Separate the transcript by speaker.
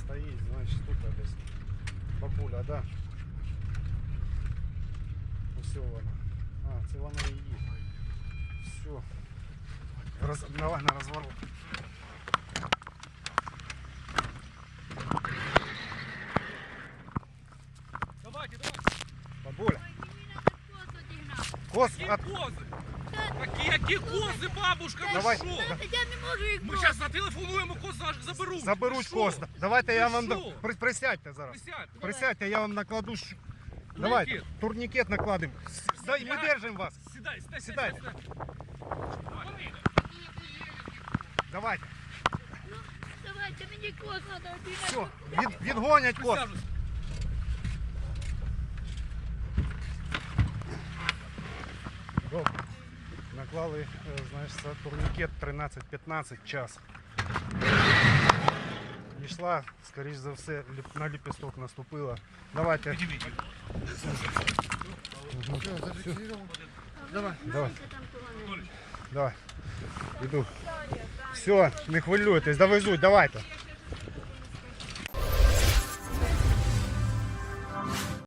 Speaker 1: стоїть, значить тут десь бабуля, да? Ось вона. А, це вона і є. Все. Давай на розворот.
Speaker 2: Давайте, давайте.
Speaker 1: Бабуля.
Speaker 3: Коз
Speaker 1: Коз,
Speaker 2: Какие козы? Какие козы, бабушка? Ви
Speaker 1: Давай.
Speaker 2: що?
Speaker 3: Я не можу їх
Speaker 2: Ми зараз зателефонуємо, коз заберуть.
Speaker 1: заберуть
Speaker 2: Ви
Speaker 1: коз.
Speaker 2: що?
Speaker 1: Давайте я
Speaker 2: Ви
Speaker 1: вам...
Speaker 2: що?
Speaker 1: Присядьте зараз.
Speaker 2: Присядь.
Speaker 1: Присядьте, я вам накладу... Давайте,
Speaker 2: Турнікет.
Speaker 1: турнікет накладемо. Дай, ми держимо вас.
Speaker 2: Сідай, сідай,
Speaker 1: Сідай.
Speaker 2: сідай.
Speaker 1: Давайте.
Speaker 3: Давайте, мені коз треба.
Speaker 1: Все, відгонять коз.
Speaker 2: Присяжусь.
Speaker 1: Добре. Наклали, знаєш, це турнікет 13-15 час. Йшла, скоріш за все, на ліпісток наступила. Давайте.
Speaker 2: Підійміть.
Speaker 1: Давай. Давай. Іду. Все, не хвилюйтесь, довезуть, давайте.